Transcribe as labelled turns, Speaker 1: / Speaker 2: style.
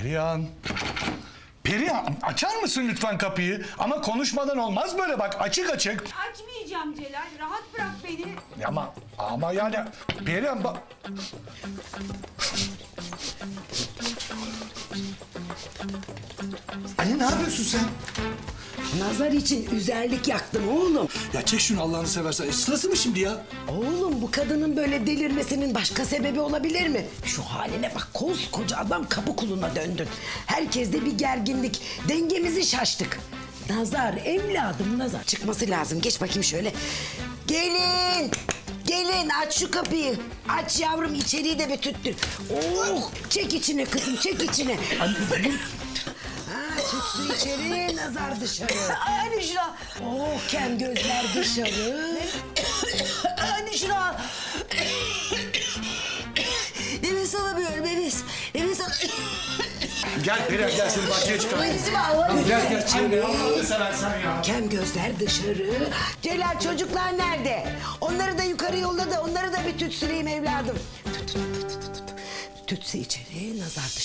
Speaker 1: Perihan. Perihan, açar mısın lütfen kapıyı? Ama konuşmadan olmaz böyle, bak açık açık.
Speaker 2: Açmayacağım Celal. Rahat bırak beni.
Speaker 1: Ama yani Perihan bak.
Speaker 3: Anne ne yapıyorsun sen?
Speaker 4: Nazar için üzerlik yaktım oğlum.
Speaker 3: Ya çek şunu Allah'ını seversen. Sırası mı şimdi ya?
Speaker 4: Oğlum bu kadının böyle delirmesinin başka sebebi olabilir mi? Şu haline bak, koskoca adam kapı kuluna döndün. Herkeste bir gerginlik, dengemizi şaştık. Nazar evladım, Nazar çıkması lazım. Geç bakayım şöyle. Gelin. Gelin aç şu kapıyı. Aç yavrum, içeriği de bir tüttür. Oh, çek içine kızım, çek içine. Ha, tütsü içeri, nazar dışarı.
Speaker 2: Anne şuna.
Speaker 4: Oh, kem gözler dışarı.
Speaker 2: Anne şuna. Nefes alamıyorum nefes. Nefes alamıyorum.
Speaker 1: Gel Perihan, gel seni bahçeye çıkar.
Speaker 2: Nefesimi alamıyorum.
Speaker 1: Gel anne, Allah'ını seversen ya.
Speaker 4: Kem gözler dışarı. Celal, çocuklar nerede? Onları da yukarı yolla da onları da bir tütsüleyim evladım. Tütsü içeri, nazar dışarı.